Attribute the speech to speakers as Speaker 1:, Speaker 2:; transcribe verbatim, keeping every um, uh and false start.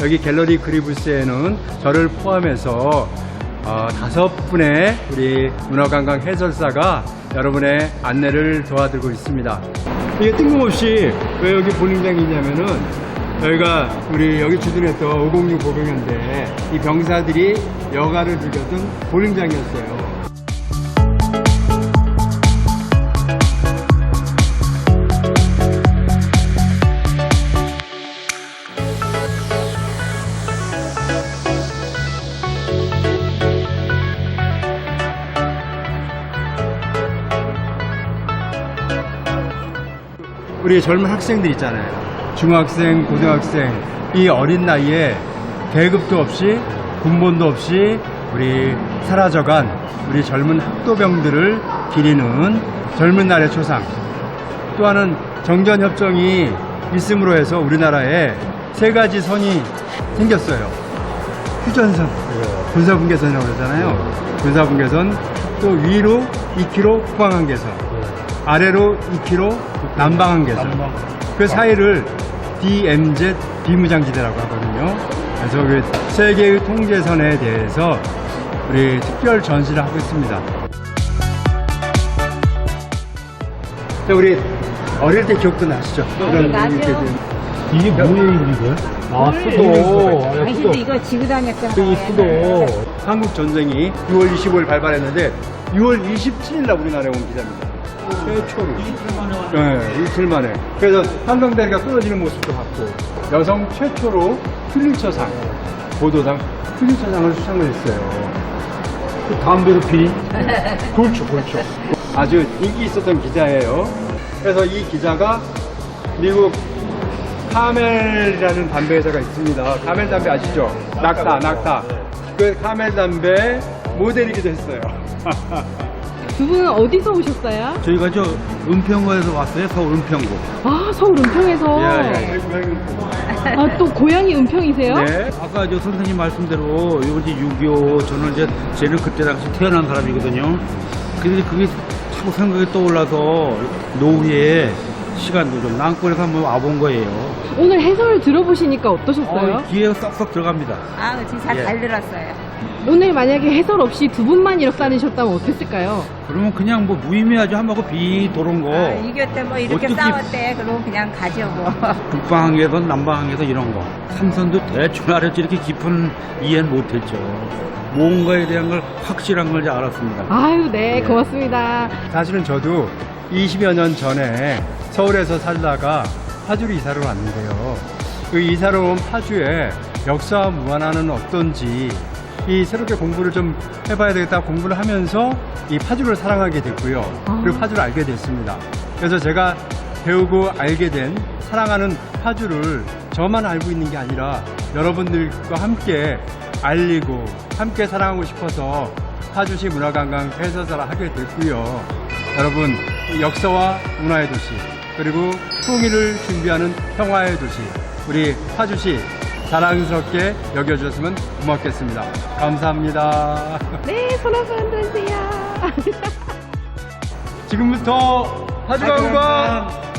Speaker 1: 여기 갤러리 그리브스에는 저를 포함해서 어, 다섯 분의 우리 문화관광 해설사가 여러분의 안내를 도와드리고 있습니다. 이게 뜬금없이 왜 여기 볼링장이 있냐면은 여기가 우리 여기 주둔했던 오공육 보병연대 이 병사들이 여가를 즐겼던 볼링장이었어요. 우리 젊은 학생들 있잖아요. 중학생, 고등학생, 이 어린 나이에 계급도 없이 군번도 없이 우리 사라져간 우리 젊은 학도병들을 기리는 젊은 날의 초상. 또 하나는 정전협정이 있음으로 해서 우리나라에 세 가지 선이 생겼어요. 휴전선, 군사분계선이라고 그러잖아요. 군사분계선, 또 위로 이 킬로미터 포항한계선, 아래로 이 킬로미터 남방한계선. 그 사이를 디엠지 비무장지대라고 하거든요. 그래서 그 세계의 통제선에 대해서 우리 특별 전시를 하고 있습니다. 자, 우리 어릴 때 기억도 나시죠?
Speaker 2: 네, 나죠.
Speaker 3: 이게 뭐예요, 이거? 아, 수도. 아,
Speaker 2: 당신도 이거 지고 다녔잖아요.
Speaker 3: 이 수도.
Speaker 1: 한국 전쟁이 유월 이십오일 발발했는데 유월 이십칠일 날 우리나라에 온 기자입니다. 최초로. 이틀 만에 왔 네, 이틀 만에. 그래서 한강다리가 끊어지는 모습도 봤고, 여성 최초로 퓰리처상, 보도상 퓰리처상을 수상을 했어요.
Speaker 3: 그 담배로 피니?
Speaker 1: 그렇죠, 그렇죠. 아주 인기 있었던 기자예요. 그래서 이 기자가 미국 카멜이라는 담배 회사가 있습니다. 카멜 담배 아시죠? 낙타, 낙타. 그 카멜 담배 모델이기도 했어요.
Speaker 4: 두 분은 어디서 오셨어요?
Speaker 3: 저희가 저 은평구에서 왔어요, 서울 은평구.
Speaker 4: 아, 서울 은평에서.
Speaker 3: 예, 예.
Speaker 4: 아, 또 고향이 은평이세요?
Speaker 1: 네.
Speaker 3: 아까 저 선생님 말씀대로 이거 이제 육이오, 저는 이제 쟤는 그때 당시 태어난 사람이거든요. 근데 그게 자꾸 생각이 떠올라서 노후에 시간도 좀 남권에서 한번 와본 거예요.
Speaker 4: 오늘 해설 들어보시니까 어떠셨어요?
Speaker 3: 어, 귀에 쏙쏙 들어갑니다.
Speaker 2: 아, 진짜
Speaker 3: 예.
Speaker 2: 잘 들었어요.
Speaker 4: 오늘 만약에 해설 없이 두 분만 이렇게 다니셨다면 어땠을까요?
Speaker 3: 그러면 그냥 뭐 무의미하죠. 한 바퀴 비 도는 거.
Speaker 2: 아, 이겼 때 뭐 이렇게
Speaker 3: 어떻게-
Speaker 2: 싸웠대. 그러면 그냥 가죠 뭐.
Speaker 3: 북방항에선 남방항에서 이런 거. 삼선도 대충 알았지 이렇게 깊은 이해는 못했죠. 뭔가에 대한 걸 확실한 걸 이제 알았습니다.
Speaker 4: 아유, 네, 고맙습니다.
Speaker 1: 사실은 저도 이십여 년 전에 서울에서 살다가 파주로 이사를 왔는데요. 그 이사를 온 파주의 역사와 문화는 어떤지 이 새롭게 공부를 좀 해봐야 되겠다 공부를 하면서 이 파주를 사랑하게 됐고요. 그리고 파주를 알게 됐습니다. 그래서 제가 배우고 알게 된 사랑하는 파주를 저만 알고 있는 게 아니라 여러분들과 함께 알리고 함께 사랑하고 싶어서 파주시 문화관광 해설사를 하게 됐고요. 여러분, 역사와 문화의 도시 그리고 통일을 준비하는 평화의 도시 우리 파주시 자랑스럽게 여겨주셨으면 고맙겠습니다. 감사합니다.
Speaker 4: 네, 손 한번 흔들으세요.
Speaker 1: 지금부터 파주관광